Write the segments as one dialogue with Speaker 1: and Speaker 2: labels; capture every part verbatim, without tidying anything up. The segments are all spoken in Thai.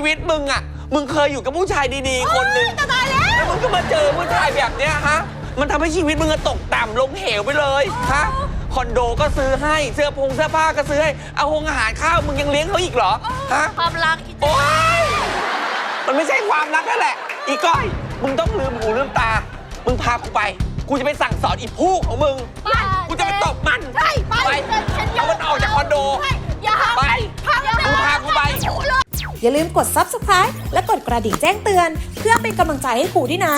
Speaker 1: วิตมึงอะมึงเคยอยู่กับผู้ชายดีๆคนหนึ่งตายแล้วแล้วมึงก็มาเจอผู้ชายแบบเนี้ยฮะมันทำให้ชีวิตมึงตกต่ำลงเหวไปเลยฮะคอนโดก็ซื้อให้เสื้อผงเสื้อผ้าก็ซื้อให้เอาหงอาหารข้าวมึงยังเลี้ยงเขาอีกเหรอฮะ
Speaker 2: ความรัก
Speaker 1: โอ๊ยมันไม่ใช่ความรักนั่นแหละอีก้อยมึงต้องลืมหูลืมตามึงพากูไปกูจะไปสั่งสอนอีผู้ของมึงกูจะไปตบมัน
Speaker 2: ไปไป
Speaker 1: เอามันออกจากคอนโดไปมึงพากูไป
Speaker 3: อย่าลืมกด ซับสไครบ์ และกดกระดิ่งแจ้งเตือนเพื่อเป็นกำลังใจให้ครูด้วยนะ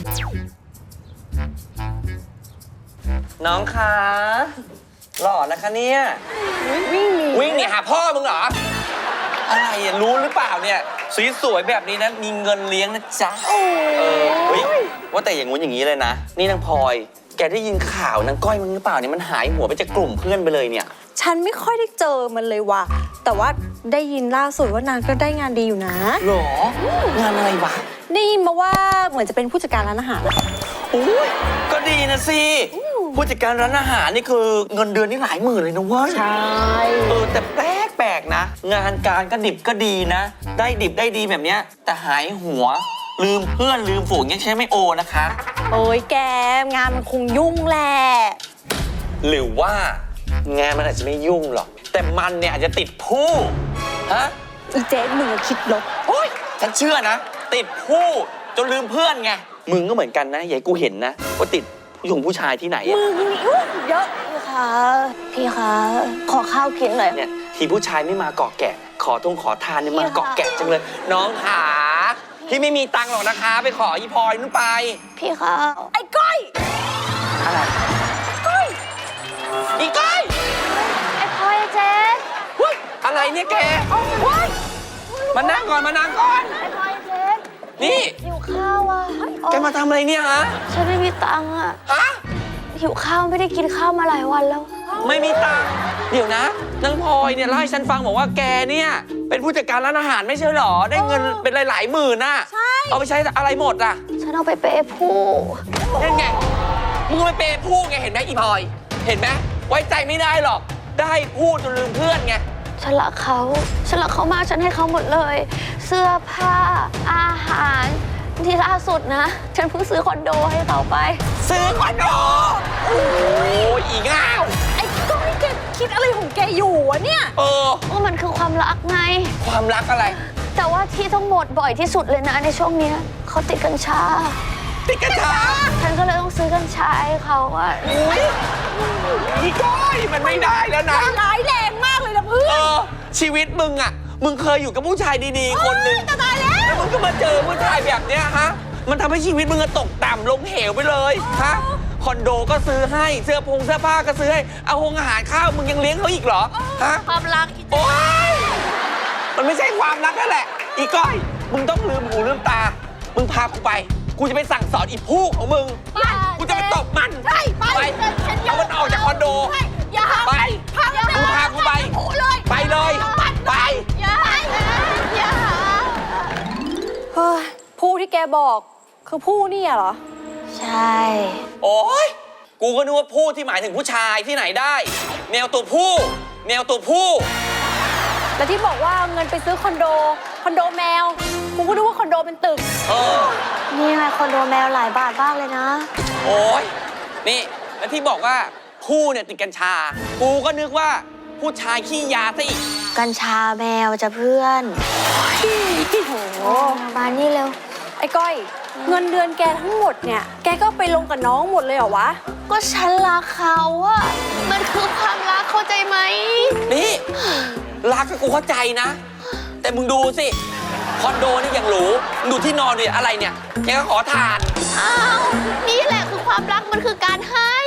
Speaker 1: น้องคะหล่อนะคะเนี่ยวิ่งหนีวิ่งหนีหาพ่อมึงเหรออะไรอ่ะรู้หรือเปล่าเนี่ยสวยๆแบบนี้นะมีเงินเลี้ยงนะจ๊ะเออเฮ้ยว่าแต่อย่างงู้นอย่างนี้เลยนะนี่นางพลอยแกได้ยินข่าวนางก้อยมึงหรือเปล่าเนี่ยมันหายหัวไปจากกลุ่มเพื่อนไปเลยเนี่ย
Speaker 4: ฉันไม่ค่อยได้เจอมันเลยว่ะแต่ว่าได้ยินล่าสุดว่านางก็ได้งานดีอยู่นะ
Speaker 1: หรองานอะไรวะ
Speaker 4: ได้ยินมาว่าเหมือนจะเป็นผู้จัดการร้านอาหาร
Speaker 1: อุ้ยก็ดีนะสิผู้จัดการร้านอาหารนี่คือเงินเดือนนี่หลายหมื่นเลยนะเว้ย
Speaker 4: ใช่
Speaker 1: เออแต่แปลกแปลกนะงานการก็ดิบก็ดีนะได้ดิบได้ดีแบบเนี้ยแต่หายหัวลืมเพื่อนลืมฝูงยังใช้ไม่โอนะคะ
Speaker 4: โอ้ยแกงานมันคงยุ่งแหละ
Speaker 1: หรือว่างานมันอาจจะไม่ยุ่งหรอกแต่มันเนี่ยอาจจะติดผู้ฮะ
Speaker 4: อีเจ๊มึงคิดลบ
Speaker 1: โอ้ยฉันเชื่อนะติดผู้จนลืมเพื่อนไงมึงก็เหมือนกันนะอย่าให้กูเห็นนะว่าติดผู้หญิงผู้ชายที่ไหน
Speaker 4: มึงนี่เยอะพี่คะพี่คะขอข้าวกินหน่อย
Speaker 1: เนี่ยทีผู้ชายไม่มาเกาะแกะขอทงขอทานเนี่ยมาเกาะแกะจังเลยน้องขาพี่ไม่มีตังค์หรอกนะคะไปขออีพลอยนู่นไป
Speaker 4: พี่คะไอ้ก้อย
Speaker 1: อะไร
Speaker 4: ก้อย
Speaker 1: อีก้อย
Speaker 2: ไอ้พลอยเจ๊
Speaker 1: อะไรเนี่ยแกมานั่งก่อนมานั่งก่อน
Speaker 2: ไอ้พลอยเจ๊
Speaker 1: นี่
Speaker 2: หิวข้าวอ่ะ
Speaker 1: แกมาทำอะไรเนี่ยฮะ
Speaker 2: ฉันไม่มีตังค์อ่ะ
Speaker 1: ฮะ
Speaker 2: หิวข้าวไม่ได้กินข้าวมาหลายวันแล้ว
Speaker 1: ไม่มีตังค์เดี๋ยวนะนางพลอยเนี่ยเล่าให้ฉันฟังบอกว่าแกเนี่ยเป็นผู้จัดการร้านอาหารไม่ใช่หรอได้เงินเป็นหลายๆหมื่นน่ะ
Speaker 4: ใช่
Speaker 1: เอาไปใช้อะไรหมดอ่ะ
Speaker 2: ฉันเอาไปเปย์ผู้
Speaker 1: นั่นไงมึงไปเปย์ผู้ไงเห็นไหมอีพลอยเห็นไหมไว้ใจไม่ได้หรอกได้พูดจนลืมเพื่อนไง
Speaker 2: ฉันรักเขาฉันรักเขามากฉันให้เขาหมดเลยเสื้อผ้าอาหารที่ล่าสุดนะฉันเพิ่งซื้อคอนโดให้เขาไป
Speaker 1: ซื้อคอนโดโอ้ยอีง่าว
Speaker 4: ไอ้ก้อยแกคิดอะไรของแกอยู่วะเนี่ย
Speaker 1: เออ
Speaker 2: ว่ามันคือความรักไง
Speaker 1: ความรักอะไร
Speaker 2: แต่ว่าที่ต้องหมดบ่อยที่สุดเลยนะในช่วงนี้เขาติดกัญชา
Speaker 1: ติดกัญชา
Speaker 2: ฉันก็เลยต้องซื้อกัญชาให้เขาอ่ะ
Speaker 1: อีก้อยมันไม่ได้แล้วนะ
Speaker 4: ร้ายแรงมากเลยนะเพื่อน
Speaker 1: เออชีวิตมึงอ่ะมึงเคยอยู่กับผู้ชายดีๆคนหนึ่ง
Speaker 4: ตายแล้ว
Speaker 1: แล้วมึงก็มาเจอผู้ชายแบบเนี้ยฮะมันทำให้ชีวิตมึงตกต่ำลงเหวไปเลยฮะคอนโดก็ซื้อให้เสื้อผงเสื้อผ้าก็ซื้อให้เอาหงอาหารข้าวมึงยังเลี้ยงเขาอีกเหรอฮะ
Speaker 2: ความรัก
Speaker 1: โอ๊ยมันไม่ใช่ความรักนั่นแหละอีก้อยมึงต้องลืมหูลืมตามึงพากูไปกูจะไปสั่งสอนอีผู้ของมึงกูจะไปตบมัน
Speaker 4: ไปไป
Speaker 1: เอามันออกจากคอนโดไปมึงพากูไปไปเลยไป
Speaker 4: อย่าอย่าเฮ้ยผู้ที่แกบอกคือผู้นี่เหรอ
Speaker 2: ใช่
Speaker 1: โอ๊ยกูก็นึกว่าผู้ที่หมายถึงผู้ชายที่ไหนได้แมวตัวผู้แมวตัวผู้
Speaker 4: แล้วที่บอกว่าเงินไปซื้อคอนโดคอนโดแมวกูก็นึกว่าคอนโดเป็นตึก
Speaker 1: เออ
Speaker 2: นี่ไงคอนโดแมวหลายบาทบ้างเลยนะ
Speaker 1: โอ๊ยนี่แล้วที่บอกว่าผู้เนี่ยติดกัญชากูก็นึกว่าผู้ชายขี้ยาซะอีก
Speaker 2: กัญชาแมวจะเพื่อนโอ้โหมานี่เร็ว
Speaker 4: ไอ้ก้อยเงินเดือนแกทั้งหมดเนี่ยแกก็ไปลงกับน้องหมดเลยเหรอวะ
Speaker 2: ก็ฉันรักเขาอะมันคือความรักเข้าใจไหม
Speaker 1: นี่รักก็กูเข้าใจนะแต่มึงดูสิคอนโดนี่ยังหรูมึงดูที่นอนดิอะไรเนี่ยแกก็ขอทาน
Speaker 2: อ้าวนี่แหละคือความรักมันคือการให้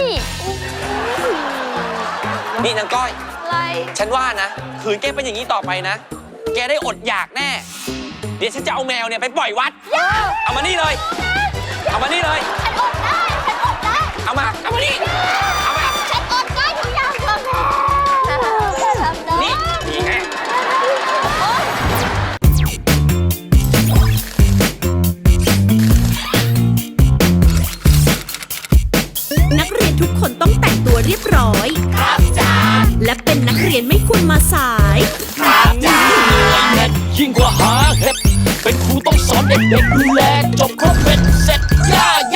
Speaker 1: นี่นางก้อย
Speaker 2: อะไร
Speaker 1: ฉันว่านะขืนแกเป็นอย่างนี้ต่อไปนะแกได้อดอยากแน่เดี๋ยวฉันจะเอาแมวเนี่ยไปปล่อยวัดเอามานี่เลยเอามานี่เลย
Speaker 2: ฉันอดได้ฉันอดได้
Speaker 1: เอามาเอามานี่เอามา
Speaker 2: ฉันอดได้ทุกอย่างเลย
Speaker 1: นี่นี่ไง
Speaker 3: นักเรียนทุกคนต้องแต่งตัวเรียบร้อยครับจ้าและเป็นนักเรียนไม่ควรมาสายครับจ้ายิ่งกว่าหาเห็ด
Speaker 5: เป็นครูต้องสอนเด็กๆดูแลจบครบเป็น